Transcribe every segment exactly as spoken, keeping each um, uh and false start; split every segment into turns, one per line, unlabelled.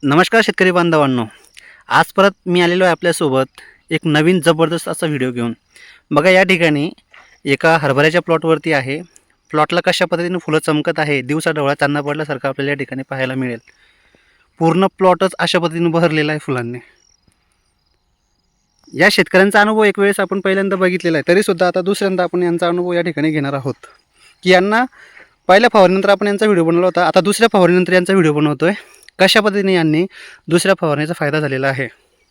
नमस्कार शेतकरी बांधवांनो, आज परत मी आलेलो आहे आपल्यासोबत एक नवीन जबरदस्त असा व्हिडिओ घेऊन. बघा, या ठिकाणी एका हरभऱ्याच्या प्लॉटवरती आहे. प्लॉटला कशा पद्धतीने फुलं चमकत आहे, दिवसा ढवळा चांदणा पडल्यासारखं आपल्याला या ठिकाणी पाहायला मिळेल. पूर्ण प्लॉटच अशा पद्धतीने बहरलेला आहे फुलांनी. या शेतकऱ्यांचा अनुभव एक वेळेस आपण पहिल्यांदा बघितलेला आहे, तरीसुद्धा आता दुसऱ्यांदा आपण यांचा अनुभव या ठिकाणी घेणार आहोत. की यांना पहिल्या फवारणीनंतर आपण यांचा व्हिडिओ बनवला होता, आता दुसऱ्या फवारणीनंतर यांचा व्हिडिओ बनवतो आहे. कशा पद्धतीने यांनी दुसऱ्या फवारणीचा फायदा झालेला आहे.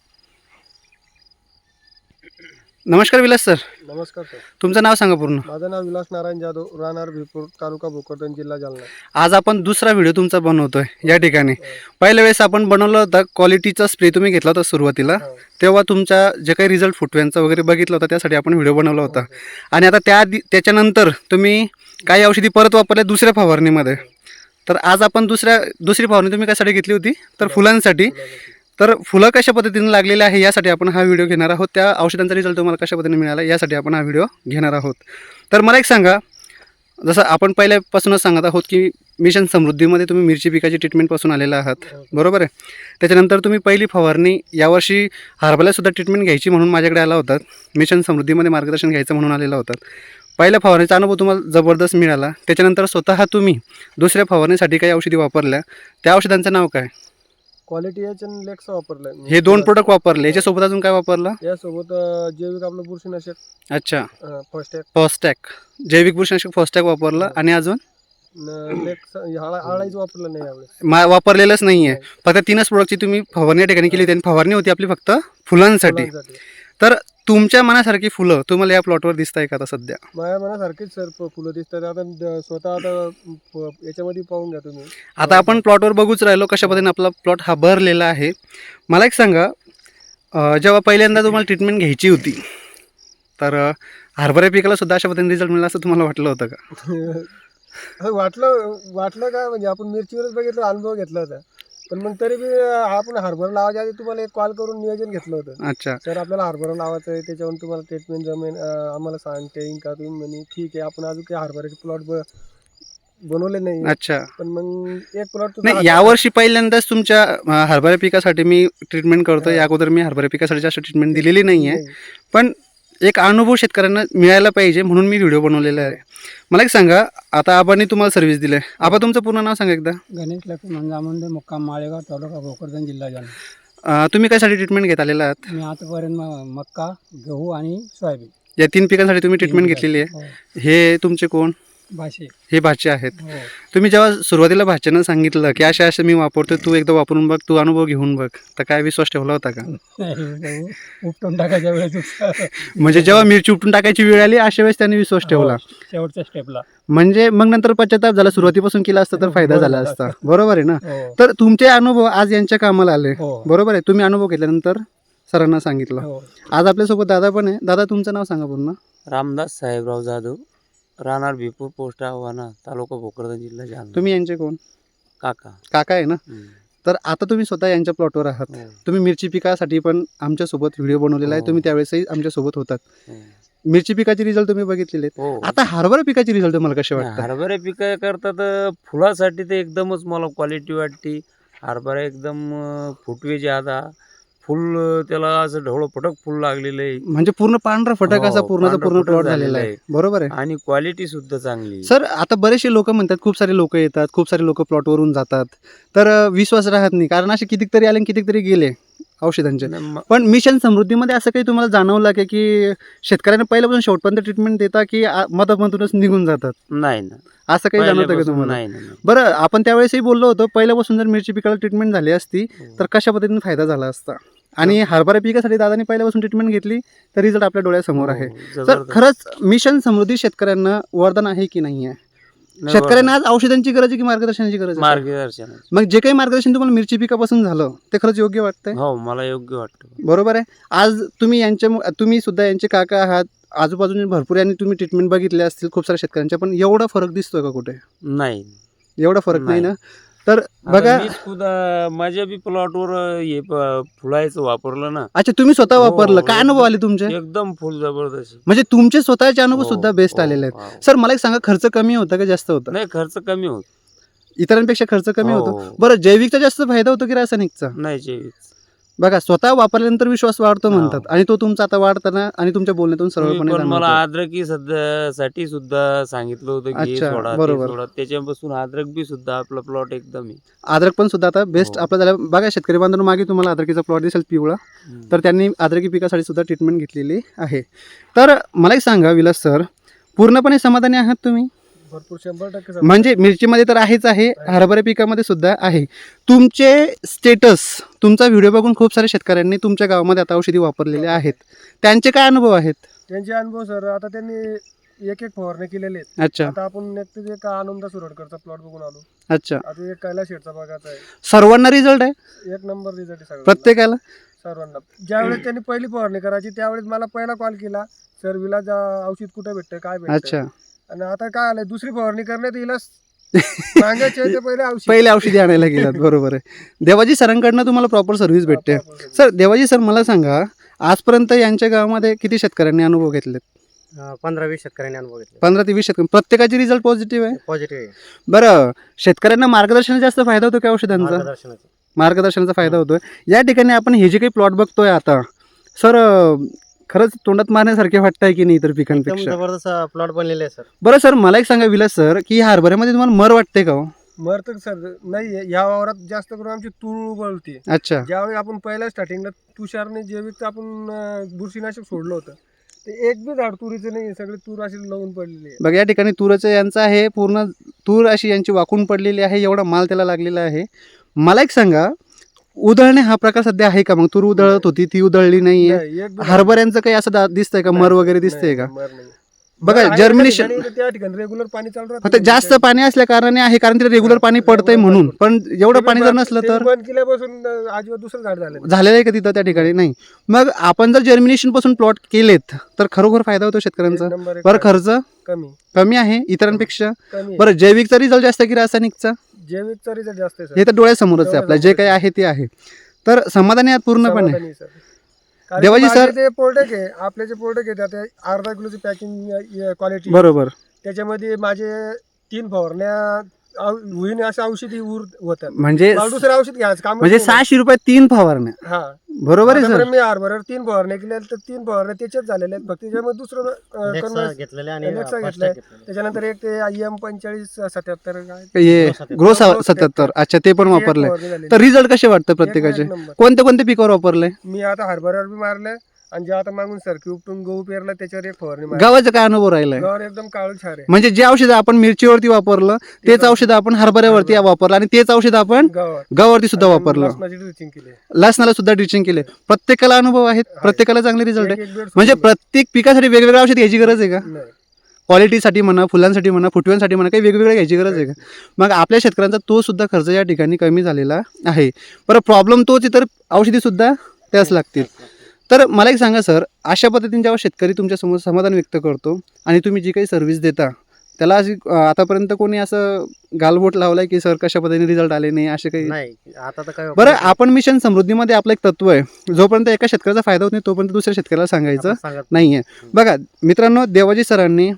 नमस्कार विलास सर.
नमस्कार सर.
तुमचं नाव सांगा पूर्ण.
माझं नाव विलास नारायण जाधव, राहणार भिपूर, तालुका भोकरदन, जिल्हा जालना.
आज आपण दुसरा व्हिडिओ तुमचा बनवतोय या ठिकाणी. पहिल्या वेळेस आपण बनवलं होता क्वालिटीचा स्प्रे तुम्ही घेतला होता सुरुवातीला, तेव्हा तुमचा जे काही रिझल्ट फुटव्यांचा वगैरे बघितला होता त्यासाठी आपण व्हिडिओ बनवला होता. आणि आता त्या त्याच्यानंतर तुम्ही काही औषधी परत वापरल्या दुसऱ्या फवारणीमध्ये. तर आज आपण दुसऱ्या दुसरी फवारणी तुम्ही कशासाठी घेतली होती, तर फुलांसाठी. तर फुलं कशा पद्धतीने लागलेले आहे यासाठी आपण हा व्हिडिओ घेणार आहोत. त्या औषधांचा रिझल्ट तुम्हाला कशा पद्धतीने मिळाला यासाठी आपण हा व्हिडिओ घेणार आहोत. तर मला एक सांगा, जसं आपण पहिल्यापासूनच सांगत आहोत की मिशन समृद्धीमध्ये तुम्ही मिरची पिकाची ट्रीटमेंटपासून आलेला आहात, बरोबर आहे. त्याच्यानंतर तुम्ही पहिली फवारणी यावर्षी हरभऱ्यासुद्धा ट्रीटमेंट घ्यायची म्हणून माझ्याकडे आला होतात. मिशन समृद्धीमध्ये मार्गदर्शन घ्यायचं म्हणून आलेला होतात. पहिल्या फवारणीचा अनुभव तुम्हाला जबरदस्त मिळाला. त्याच्यानंतर स्वतः तुम्ही दुसऱ्या फवारणीसाठी काही औषधी वापरल्या, त्या औषधांचं नाव काय?
क्वालिटी एच एन लेक्स वापरलं.
हे दोन प्रोडक्ट वापरले. याच्यासोबत अजून काय वापरलं?
यासोबत जैविक आपलं बुरशीनाशक.
अच्छा,
फॉस्टॅग.
फॉस्टॅग जैविक बुरशीनाशक फॉस्टॅग वापरलं. आणि अजून
लेक्स आळाईच वापरलं नाही यावेळेस.
मा वापरलेलंच नाही आहे. फक्त तीनच प्रोडक्टची तुम्ही फवारणी या ठिकाणी केली होती आणि फवारणी होती आपली फक्त फुलांसाठी. तर तुमच्या मनासारखी फुलं तुम्हाला या प्लॉटवर दिसत आहे का आता सध्या?
माझ्या मनासारखीच सर फुलं दिसतात. आता स्वतः आता याच्यामध्ये पाहून घ्या तुम्ही.
आता आपण प्लॉटवर बघूच राहिलो कशा पद्धतीने आपला प्लॉट हा भरलेला आहे. मला एक सांगा, जेव्हा पहिल्यांदा तुम्हाला ट्रीटमेंट घ्यायची होती तर हरभरा पिकाला सुद्धा अशा पद्धतीने रिझल्ट मिळाला असं तुम्हाला वाटलं होतं का?
वाटलं वाटलं का म्हणजे आपण मिरचीवरच बघितलं, अनुभव घेतला होता. पण मग तरी बी आपण हरभरा लावायच्या आधी तुम्हाला एक कॉल करून नियोजन घेतलं होतं. अच्छा सर, आपल्याला हरभरा लावायचं आहे, त्याच्यावर तुम्हाला ट्रीटमेंट जमेन, आम्हाला सांगता येईल का? तुम्ही म्हणे ठीक आहे. आपण अजून काही हरभऱ्याचे प्लॉट बनवले नाही. अच्छा, पण मग एक प्लॉट
नाही, यावर्षी पहिल्यांदाच तुमच्या हरभरा पिकासाठी मी ट्रीटमेंट करतो. या अगोदर मी हरभरा पिकासाठी जास्त ट्रीटमेंट दिलेली नाही आहे, पण एक अनुभव शेतकऱ्यांना मिळायला पाहिजे म्हणून मी व्हिडिओ बनवलेला आहे. मला एक सांगा, आता आबांनी तुम्हाला सर्व्हिस दिली आहे. आबा, तुमचं पूर्ण नाव सांगा एकदा.
गणेश लक्ष्मण जामंदे, मुक्काम माळेगाव, तालुका भोकरदन, जिल्हा जालना.
तुम्ही कशासाठी ट्रीटमेंट घेत आलेला आहात?
मी आतापर्यंत मक्का, गहू आणि सोयाबीन
या तीन पिकांसाठी तुम्ही ट्रीटमेंट घेतलेली आहे. हे तुमचे कोण?
भाषे.
हे भाचे आहेत. तुम्ही जेव्हा सुरुवातीला भाच्यानं सांगितलं की अशा अशा मी वापरतो, तू एकदा वापरून बघ, तू अनुभव घेऊन बघ, तर काय विश्वास ठेवला होता का?
उपटून टाकायच्या वेळेस
म्हणजे जेव्हा मिरची उपटून टाकायची वेळ आली अशा वेळेस त्यांनी विश्वास ठेवला
शेवटच्या स्टेपला.
म्हणजे मग नंतर पश्चाताप झाला. सुरुवातीपासून केला असता तर फायदा झाला असता, बरोबर आहे ना? तर तुमचे अनुभव आज यांच्या कामाला आले, बरोबर आहे. तुम्ही अनुभव घेतल्यानंतर सरांना सांगितलं. आज आपल्यासोबत दादा पण आहे. दादा, तुमचं नाव सांगा पूर्ण.
रामदास साहेबराव जाधव, राहणार भिपूर, पोस्ट आव्हाना, तालुका भोकरदन, जिल्हा जालना.
तुम्ही यांचे कोण?
काका.
काका आहे ना? तर आता तुम्ही स्वतः यांच्या प्लॉटवर आहात. तुम्ही मिरची पिकासाठी पण आमच्यासोबत व्हिडिओ बनवलेला आहे. तुम्ही त्यावेळेसही आमच्यासोबत होतात. मिरची पिकाचे रिझल्ट तुम्ही बघितलेले. आता हरभरा पिकाचे रिझल्ट तुम्हाला कसे वाटतात?
हरभरा पिका करता तर फुलासाठी तर एकदमच मला क्वालिटी वाटते. हरभरा एकदम फुटवेचे, आता फुल त्याला असं ढवळं फटक फुल लागलेलं आहे.
म्हणजे पूर्ण पांढरा फटक असा पूर्णचा पूर्ण प्लॉट झालेला आहे, बरोबर आहे.
आणि क्वालिटी सुद्धा चांगली.
सर, आता बरेचसे लोक म्हणतात, खूप सारे लोक येतात, खूप सारे लोक प्लॉटवरून जातात, तर विश्वास राहत नाही. कारण असे कितीतरी आले कितीतरी गेले औषधांचे. पण मिशन समृद्धीमध्ये असं काही तुम्हाला जाणवलं की की शेतकऱ्यांना पहिल्यापासून शेवटपर्यंत ट्रीटमेंट देता की मधामधूनच निघून जातात?
नाही ना,
असं काही जाणवतं का तुम्हाला?
नाही.
बरं, आपण त्यावेळेसही बोललो होतो, पहिल्यापासून जर मिरची पिकाला ट्रीटमेंट झाली असती तर कशा पद्धतीने फायदा झाला असता. आणि हरभरा पिकासाठी दादानी पहिल्यापासून ट्रीटमेंट घेतली तर रिझल्ट आपल्या डोळ्यासमोर आहे. तर खरंच मिशन समृद्धी शेतकऱ्यांना वरदान आहे की नाही आहे? शेतकऱ्यांना आज औषधांची गरज आहे की मार्गदर्शनाची गरज आहे?
मार्गदर्शन.
मग जे काही मार्गदर्शन तुम्हाला मिरची पिकापासून झालं ते खरंच योग्य वाटतंय?
हो, मला योग्य वाटतं.
बरोबर आहे. आज तुम्ही यांच्या तुम्ही सुद्धा यांचे काका आहात, आजूबाजूने भरपूर यांनी तुम्ही ट्रीटमेंट बघितले असतील खूप साऱ्या शेतकऱ्यांच्या, पण एवढा फरक दिसतोय का कुठे?
नाही,
एवढा फरक नाही ना. तर बघा,
माझ्या बी प्लॉटवर हे फुलायचं वापरलं ना.
अच्छा, तुम्ही स्वतः वापरलं, काय अनुभव आले तुमचे?
एकदम फुल जबरदस्त.
म्हणजे तुमचे स्वतःचे अनुभव सुद्धा बेस्ट आलेले आहेत. सर, मला एक सांगा, खर्च कमी होता का जास्त होता?
नाही, खर्च कमी होत.
इतरांपेक्षा खर्च कमी
हो,
होतो.
हो.
बरं, जैविकचा जास्त फायदा होतो की रासायनिकचा?
नाही जैविक.
बघा, स्वतः वापरल्यानंतर विश्वास वाढतो
हो.
म्हणतात आणि तो तुमचा आता वाढताना आणि तुमच्या बोलण्यातून
तुम्ही
सरळपणे
पण मला
जाणवतो.
अद्रकी सध्या साठी सुद्धा सांगितलं होतं की हे
अच्छा,
सोडा ते
बरोबर.
सोडा, त्याच्यापासून अद्रक बी सुद्धा आपला प्लॉट एकदम आहे.
अद्रक पण सुद्धा आता बेस्ट
हो.
आपला झाला. बघा, शेतकरी बांधवांनो, मागे तुम्हाला अद्रकीचा प्लॉट दिसेल पिवळा,
हम्म.
तर त्यांनी अद्रकी पिकासाठी सुद्धा ट्रीटमेंट घेतलेली आहे. तर मला एक सांगा विलास सर, पूर्णपणे समाधानी आहात तुम्ही?
भरपूर शंभर टक्के
म्हणजे मिरचीमध्ये तर आहेच आहे, हरभरा पिकामध्ये सुद्धा आहे. तुमचे स्टेटस, तुमचा व्हिडिओ बघून खूप साऱ्या शेतकऱ्यांनी तुमच्या गावामध्ये आता औषधी वापरलेले आहेत. त्यांचे काय अनुभव आहेत?
त्यांचे अनुभव सर, आता त्यांनी एक एक फवारणी केलेले आहेत.
अच्छा
आता आपण एक एक आनंद सुरडकरचा प्लॉट बघून आलो.
अच्छा.
आता एक कैलास शेठचा बघायचा आहे.
सर्वांना रिझल्ट आहे?
एक नंबर रिझल्ट आहे सगळ्यांना.
प्रत्येकाला?
सर्वांना. ज्यावेळेस त्यांनी पहिली फवारणी करायची त्यावेळेस मला पहिला कॉल केला, सर विलास अं, औषध कुठे भेटतं, काय भेटतं.
अच्छा.
आणि आता काय आलंय, दुसरी फवारणी करण्यात विलास मागायचे ते पहिले औषध
पहिले औषधी आणायला गेलात. बरोबर आहे. देवाजी सरांकडनं तुम्हाला प्रॉपर सर्व्हिस भेटते. सर, देवाजी सर, मला सांगा, आजपर्यंत यांच्या गावामध्ये किती शेतकऱ्यांनी अनुभव घेतलेत?
पंधरा वीस शेतकऱ्यांनी अनुभव घेतले.
पंधरा ते वीस शेतकरी, प्रत्येकाचे रिझल्ट पॉझिटिव्ह आहे?
पॉझिटिव्ह आहे.
बरं, शेतकऱ्यांना मार्गदर्शनाचा जास्त फायदा होतो की औषधांचा?
मार्गदर्शनाचे.
मार्गदर्शनाचा फायदा होतोय. या ठिकाणी आपण हे जे काही प्लॉट बघतोय आता, सर खरंच तोंडात मारण्यासारखे वाटतंय की नाही इतर
एकदम
पिकांपेक्षा?
जबरदस्त प्लॉट बनलेले आहे सर.
बरं सर, मला एक सांगा विलास सर, की ह्या हरभऱ्यामध्ये तुम्हाला मर वाटते का हो?
मर तर सर नाही, या वावरात जास्त करून आमची तूर उगवते.
अच्छा.
ज्यावेळी आपण पहिल्या स्टार्टिंगला तुषारने जैविक आपण अं, बुरशीनाशक सोडलं होतं, ते एक बी झाड तुरीचं नाही, सगळे तूर अशी लावून पडलेली आहे.
बघा, या ठिकाणी तूरचं यांचं आहे, पूर्ण तूर अशी यांची वाकून पडलेली आहे, एवढा माल त्याला लागलेला आहे. मला एक सांगा, उधळणे हा प्रकार सध्या आहे का? मग तूर उधळत होती, ती उधळली नाहीये.
नाही, एक बी झाड-
हरभऱ्यांचं काही असं दा- दिसतंय का, मर
नाही,
वगैरे दिसतंय
नाही,
का?
मर नाही.
बघा,
मर आहे
जर्मिनेशन
त्या ठिकाणी, त्या ठिकाणी रेग्युलर पाणी चालू राहतं.
फक्त जास्त पाणी असल्या कारणाने आहे, कारण तिथे रेग्युलर पाणी पडतंय म्हणून. पण एवढं
ते
पाणी
बी
जर
बंद-
नसलं
ते
तर
बी बंद केल्यापासून अं, आजवर दुसरं झाड झालं.
झालेलं आहे का तिथं त्या ठिकाणी? नाही. मग आपण जर जर्मिनेशन पासून प्लॉट केलेत तर खरोखर फायदा होतो शेतकऱ्यांचा.
एक नंबर एक
बरं,
फायदा.
खर्च
कमी
कमी आहे इतरांपेक्षा.
कमी
बरं, जैविकचा रिझल्ट जास्त की रासायनिकचा?
जैविकचा रिझल्ट जास्त आहे सर.
हे तर डोळ्यासमोरच आहे आपल्या, जे काही आहे ते आहे. तर समाधानी आहात पूर्णपणे?
समाधानी सर. कारण
देवाजी
माझे
सर-
जे प्रोडक्ट आहे, आपले जे प्रोडक्ट आहे त्यात अर्धा किलोची पॅकिंग क्वालिटी,
बरोबर.
त्याच्यामध्ये माझे तीन फवारण्या औ- होईन असं औषधी उर होतात.
म्हणजे
मला दुसरं औषध घ्यायचं काम
म्हणजे सहाशे रुपये तीन फवारण्या.
हा
बरोबर आहे सर?
आतापर्यंत मी हरभऱ्यावर तीन फवारण्या केल्या, तर तीन फवारण्या त्याच्याच झालेल्या आहेत. फक्त त्याच्यामध्ये दुसरं अं,
Nexa
converse-
घेतलेले आणि
Nexa
Fast
घेतलाय.
Tag घेतलेले.
त्याच्यानंतर एक ते आय एम पंचेचाळीस सत्याहत्तर काय
हे
ग्रो
ग्रो
सत्याहत्तर.
सत्याहत्तर. अच्छा, ते पण
ती एक
वापरलंय.
फवारणी झालेली.
तर रिझल्ट कसे वाटतं
एक-
प्रत्येकाचे?
एक नंबर.
कोणत्या कोणत्या पिकावर वापरलंय?
मी आता हरभऱ्यावर बी मारलंय, आणि जे आता मागून सरकी उपटून गहू पेरला त्याच्यावर एक फवारणी मारली.
गावाचा काय अनुभव राहिलाय?
गव्हावर एकदम काळू छार आहे.
म्हणजे जे औषध आपण मिरचीवरती वापरलं तेच औषध आपण हरभऱ्यावरती वापरलं आणि तेच औषध आपण
गव्हावर
गव्हावरती सुद्धा वापरलं.
लसणाची ड्रिचिंग केली.
लसणाला सुद्धा ड्रिचिंग केले. प्रत्येकाला अनुभव आहेत, प्रत्येकाला चांगले रिझल्ट
एक-
आहे.
एक बेड
म्हणजे
सोडून
प्रत्येक पिकासाठी वेगवेगळं औषध घ्यायची गरज आहे का?
नाही.
क्वालिटीसाठी म्हणा, फुलांसाठी म्हणा, फुटव्यांसाठी म्हणा, काही वेगवेगळं घ्यायची गरज आहे का? मग आपल्या शेतकऱ्यांचा तो सुद्धा खर्च या ठिकाणी कमी झालेला आहे. बरं, प्रॉब्लेम तोच, इतर औषधी सुद्धा त्याच लागतील. तर मला एक सांगा सर, अशा पद्धतीने जेव्हा शेतकरी तुमच्यासमोर समाधान व्यक्त करतो आणि तुम्ही जी काही सर्व्हिस देता त्याला अशी अं, आतापर्यंत कोणी असं गालबोट लावलाय की सर कशा पद्धतीने रिझल्ट आले नाही असे काही?
नाही, आता तर काय
बरं, आपण मिशन समृद्धीमध्ये आपलं एक तत्व आहे, जोपर्यंत एका शेतकऱ्याचा फायदा होत नाही तोपर्यंत दुसऱ्या शेतकऱ्याला सांगायचं
आपण सांगत
नाही आहे. बघा मित्रांनो, देवाजी सरांनी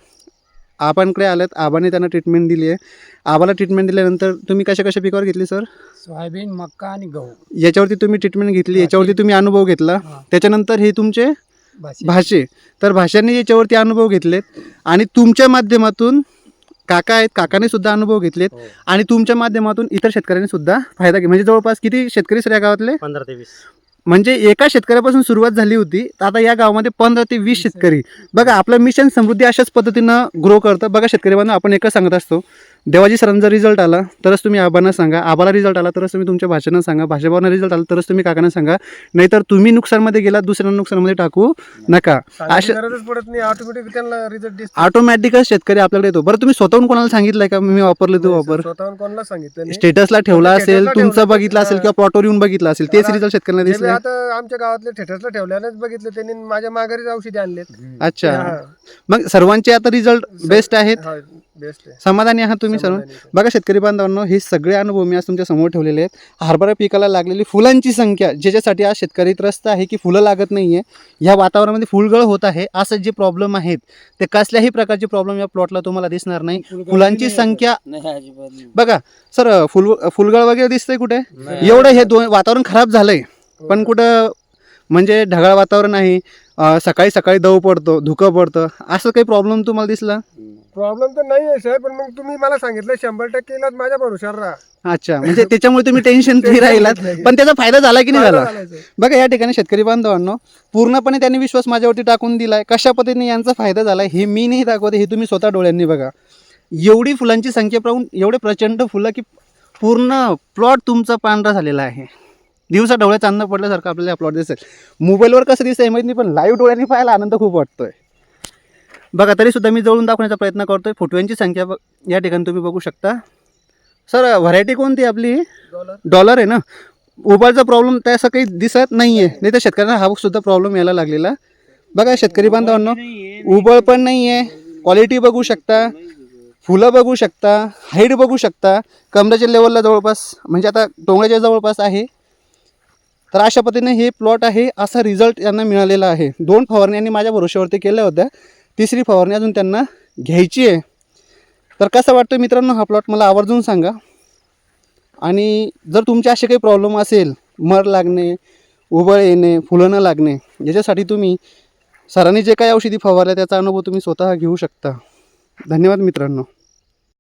आपणकडे आल्यात, आबाने त्यांना ट्रीटमेंट दिली आहे. आबाला ट्रीटमेंट दिल्यानंतर तुम्ही कशा कशा पिकावर घेतली सर?
सोयाबीन, मक्का आणि गहू.
याच्यावरती तुम्ही ट्रीटमेंट घेतली, याच्यावरती तुम्ही अनुभव घेतला.
हा.
त्याच्यानंतर हे तुमचे
भाजी.
भाषे, तर भाषांनी याच्यावरती अनुभव घेतलेत आणि तुमच्या माध्यमातून काका आहेत, काकाने सुद्धा अनुभव घेतलेत
हो.
आणि तुमच्या माध्यमातून इतर शेतकऱ्यांनी सुद्धा फायदा घे. म्हणजे जवळपास किती शेतकरी सर या गावातले?
पंधरा ते वीस.
म्हणजे एका शेतकऱ्यापासून सुरुवात झाली होती, तर आता या गावामध्ये पंधरा ते वीस शेतकरी. बघा, आपलं मिशन समृद्धी अशाच पद्धतीनं ग्रो करतं. बघा शेतकरी बांधव, आपण एकच सांगत असतो, देवाजी सरांचा रिझल्ट आला तरच तुम्ही आबांना सांगा, आबाला रिझल्ट आला तरच तुम्ही तुमच्या भाषेनं सांगा, भाषेभावांना रिझल्ट आला तरच तुम्ही काकांना सांगा, नाहीतर तुम्ही नुकसानमध्ये गेलात दुसऱ्यांना नुकसानमध्ये टाकू नका.
सांगायची
अशा
गरजच पडत नाही, ऑटोमॅटिक त्यांना रिझल्ट दिसतो.
ऑटोमॅटिकच शेतकरी आपल्याकडे येतो. बरं, तुम्ही स्वतःहून कोणाला सांगितलंय का मी वापरले तू वापर?
स्वतःहून कोणाला सांगितलं नाही.
स्टेटसला ठेवला
फक्त
असेल,
statusला
तुमचं
ठेवलं.
बघितलं असेल
हा.
किंवा प्लॉटवर येऊन बघितलं असेल, तेच
मला-
रिझल्ट शेतकऱ्यांना
जे मी
दिसले.
आता आमच्या गावातले थिएटर्सला ठेवल्यानेच बघितलं त्यांनी, माझ्या माघारीच औषधी आणलेत.
अच्छा,
हा.
मग सर्वांचे आता रिझल्ट बेस्ट आहेत.
हा. बेस्ट आहे.
समाधानी आहात तुम्ही सर्व?
समाधानी आहे.
बघा शेतकरी बांधवांनो, हे सगळे अनुभव मी आज तुमच्या समोर ठेवलेले आहेत. हरभरा पिकाला लागलेली फुलांची संख्या, ज्याच्यासाठी आज शेतकरी त्रस्त आहे की फुलं लागत नाही आहे, या वातावरणामध्ये फुलगळ होत आहे, असं जे प्रॉब्लेम आहेत ते कसल्याही प्रकारचे प्रॉब्लेम या प्लॉटला तुम्हाला दिसणार नाही. फुलांची संख्या
नाही अजिबात नाही.
बघा सर, फुल फुलगळ वगैरे दिसतंय कुठे?
नाही.
एवढं हे दोन वातावरण खराब झालंय, पण कुठं म्हणजे ढगाळ वातावरण आहे, अं, सकाळी सकाळी दव पडतो, धुकं पडतं, असं काही प्रॉब्लेम तुम्हाला दिसला?
प्रॉब्लेम तर नाही आहे साहेब, पण मग तुम्ही मला सांगितलं शंभर टक्के इलाज माझ्या भरोशावर राहा.
अच्छा, म्हणजे त्याच्यामुळे तुम्ही टेन्शन फ्री राहिलात, पण त्याचा फायदा झाला की नाही झाला?
फायदा झाला साहेब.
बघा या ठिकाणी शेतकरी बांधवांनो, पूर्णपणे त्यांनी विश्वास माझ्यावरती टाकून दिलाय. कशा पद्धतीने यांचा फायदा झाला हे मी नाही दाखवते, हे तुम्ही स्वतः डोळ्यांनी बघा. एवढी फुलांची संख्या पाहून एवढे प्रचंड फुलं की पूर्ण प्लॉट तुमचा पांढरा झालेला आहे. दिवसा डोळ्यात चांदणं पडल्यासारखं आपल्याला हा प्लॉट दिसेल. मोबाईलवर कसं दिसतंय माहिती नाही, पण लाईव्ह डोळ्यांनी पाहायला आनंद खूप वाटतोय. बघा तरी सुद्धा मी जवळून दाखवण्याचा प्रयत्न करतोय. फुटव्यांची संख्या ब- या ठिकाणी तुम्ही बघू शकता. सर व्हरायटी कोणती आपली?
डॉलर.
डॉलर आहे ना. उबाळचा प्रॉब्लेम त्याचा काही दिसत नाही आहे, नाही तर शेतकऱ्यांना हा सुद्धा प्रॉब्लेम यायला लागलेला. बघा शेतकरी बांधवांनो, उबळ पण नाही आहे, क्वालिटी बघू शकता, फुलं बघू शकता, हाईट बघू शकता, कमराच्या लेवलला जवळपास म्हणजे आता टोंगळ्याच्या जवळपास आहे. तर अशा पद्धतीने हे प्लॉट आहे, असा रिझल्ट यांना मिळालेला आहे. दोन फवारणी यांनी माझ्या भरोश्यावरती केल्या होत्या, तिसरी फवारणी अजून त्यांना घ्यायची आहे. तर कसं वाटतं मित्रांनो हा प्लॉट, मला आवर्जून सांगा. आणि जर तुमचे असे काही प्रॉब्लेम असेल, मर लागणे, उबळ येणे, फुलं न लागणे, याच्यासाठी तुम्ही सरांनी जे काही औषधी फवारल्या त्याचा अनुभव तुम्ही स्वतः घेऊ शकता. धन्यवाद मित्रांनो.